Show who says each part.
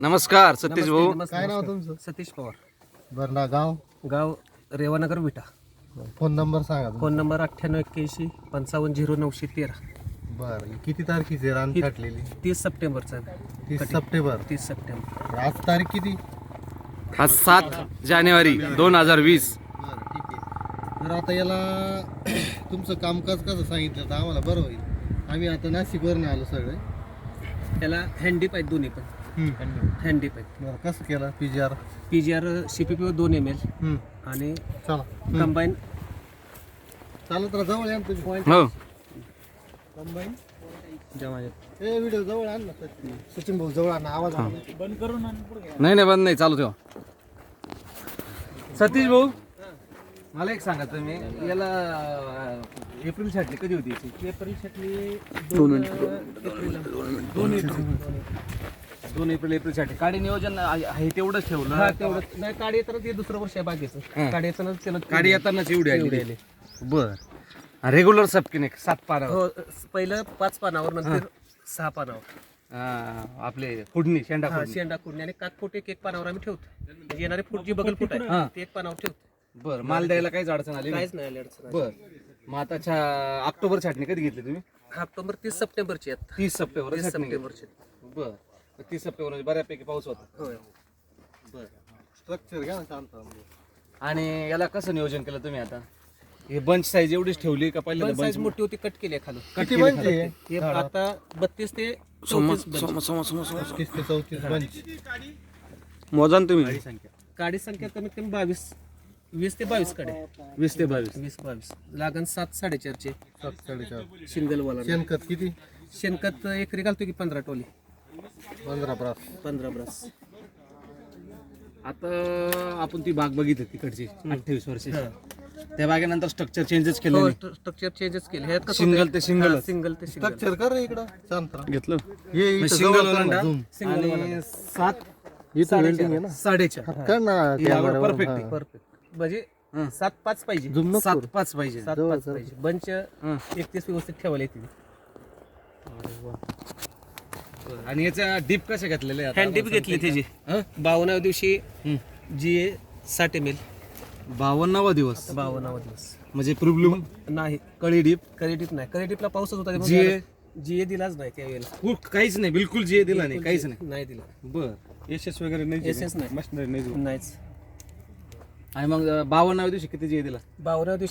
Speaker 1: नमस्कार सतीश भाऊ.
Speaker 2: काय नाव तुमचं?
Speaker 3: सतीश पवार.
Speaker 2: बरं ना. गाव?
Speaker 3: गाव रेवानगर विटा.
Speaker 2: फोन नंबर सांगा तुमचा.
Speaker 3: Phone number 9881550913.
Speaker 2: बरं, किती तारखेची रान छाटलेली?
Speaker 3: 30 सप्टेंबरचा.
Speaker 2: 30 सप्टेंबर.
Speaker 3: 30 सप्टेंबर.
Speaker 2: आज तारीख किती?
Speaker 1: आज 7 जानेवारी 2020.
Speaker 2: बरं, ठीक आहे. तर आता याला तुमचं कामकाज कसं सांगितलं तर आम्हाला बरं होईल. आम्ही आता नाशिकवरून आलो सगळे.
Speaker 3: त्याला हँडीप आहेत दोन्ही पण. हँडीप आहेत.
Speaker 2: बरं, कसं केलं? PGR
Speaker 3: PGR CPP 2 ml आणि
Speaker 2: चला
Speaker 3: कंबाईन.
Speaker 2: चालत राहा, जवळ या ना तुम्ही.
Speaker 1: हो
Speaker 2: कंबाईन
Speaker 3: जमा
Speaker 2: हे व्हिडिओ जवळ आण ना सचिन भाऊ, जवळ आण. आवाज आला.
Speaker 1: नाही बंद नाही, चालू ठेवा. सतीश भाऊ, मला एक सांगा तुम्ही, याला एप्रिल छाटली कधी होती याची?
Speaker 3: एप्रिल साठी
Speaker 1: 2 एप्रिल छाटली. काडी नियोजन आहे तेवढंच ठेवलं.
Speaker 3: तेवढं नाही. काढी तर ते दुसरं वर्ष आहे बाकीचं. काढी येताना त्याला
Speaker 1: काडी येतानाच एवढी
Speaker 3: एवढी
Speaker 1: आली.
Speaker 3: आली.
Speaker 1: बर, रेग्युलर सबकिने 7 पाना.
Speaker 3: हो, पहिलं 5 पानावर, नंतर 6 पानावर.
Speaker 1: आपले फुडणी शेंडा
Speaker 3: हा,
Speaker 1: फोडणी.
Speaker 3: शेंडा कुडणी आणि कात फूट एक पानावर आम्ही ठेवतो. म्हणजे येणारी फूट जी बगल फूट
Speaker 1: हा.
Speaker 3: आहे ते एक पानावर ठेवतो.
Speaker 1: बर, माल द्यायला काहीच अडचण आली नाही.
Speaker 3: काहीच नाही आली अडचण.
Speaker 1: बर, मग आता ऑक्टोबर छाटणी कधी घेतली तुम्ही?
Speaker 3: ऑक्टोबर 30 सप्टेंबरची आहेत.
Speaker 1: 30 सप्टेंबर
Speaker 3: 30 सप्टेंबरची.
Speaker 1: बर, 30 सप्टेंबर म्हणजे बऱ्यापैकी पाऊस होता.
Speaker 3: होय.
Speaker 1: बर,
Speaker 2: स्ट्रक्चर घ्या ना शांत.
Speaker 1: आणि याला कसं नियोजन केलं तुम्ही आता? हे बंच साईज एवढीच ठेवली का
Speaker 3: पण
Speaker 1: पहिल्यांदा
Speaker 3: साईज
Speaker 1: बंच?
Speaker 3: मोठी होती, कट केली आहे खालून.
Speaker 2: किती बंच आहे?
Speaker 3: हे आता 32 ते 34 bunch.
Speaker 2: 31 ते 34 बंच.
Speaker 1: मोजा ना तुम्ही.
Speaker 3: काडी संख्या कमीत कमी 20 ते 22 काड्या.
Speaker 1: 20 ते 22.
Speaker 3: 20-22 लागण 7 साडेचारचे
Speaker 2: 7 साडेचार.
Speaker 3: सिंगल वाला.
Speaker 2: शेणखत किती?
Speaker 3: शेणखत एकरी घालतो की 15 टोली.
Speaker 2: 15 ब्रास.
Speaker 3: 15 ब्रास.
Speaker 1: आता आपण ती बाग बघितली तिकडची 28 वर्षे. त्या बागेनंतर स्ट्रक्चर चेंजेस केलं
Speaker 3: हो,
Speaker 1: नाही?
Speaker 3: स्ट्रक्चर चेंजेस केले. ह्यात कसं
Speaker 1: Single
Speaker 3: होतंय?
Speaker 1: ते single.
Speaker 3: हा, सिंगल ते सिंगल.
Speaker 2: स्ट्रक्चर कर रे इकडं. शांत राहा.
Speaker 1: घेतलं
Speaker 2: हे इथं
Speaker 1: सिंगल
Speaker 2: जवळ कर
Speaker 1: ओलांडा
Speaker 2: ना, zoom.
Speaker 1: आणि 7
Speaker 2: इथं वेल्डिंग आहे ना.
Speaker 1: 4.5
Speaker 2: कर ना कॅमेरावर.
Speaker 1: परफेक्ट आहे.
Speaker 3: परफेक्ट. म्हणजे 7-5 पाहिजे.
Speaker 2: Zoom नको करू.
Speaker 1: 7-5 पाहिजे.
Speaker 3: 7-5 पाहिजे. बंच
Speaker 1: हं.
Speaker 3: 31 व्यवस्थित ठेवायला येतील.
Speaker 1: आणि याचा डीप कशा घेतलेले
Speaker 3: हँड घेतली त्याची 52व्या दिवशी GA 60 ml.
Speaker 1: 52वा दिवस
Speaker 3: 52वा दिवस.
Speaker 1: म्हणजे प्रिब्लूम
Speaker 3: नाही,
Speaker 1: कळी डीप
Speaker 3: करेटिप नाही. करेटिपला पाऊसच होता. GA दिलाच नाही त्यावेळेला.
Speaker 1: काहीच नाही, बिलकुल जे दिला नाही, काहीच नाही.
Speaker 3: नाही दिला.
Speaker 1: बर,
Speaker 2: एसएस वगैरे नाही.
Speaker 3: SS नाही.
Speaker 2: मशिनरी नाही.
Speaker 3: नाहीच.
Speaker 1: आणि मग 52व्या दिवशी किती जे दिला?
Speaker 3: 52व्या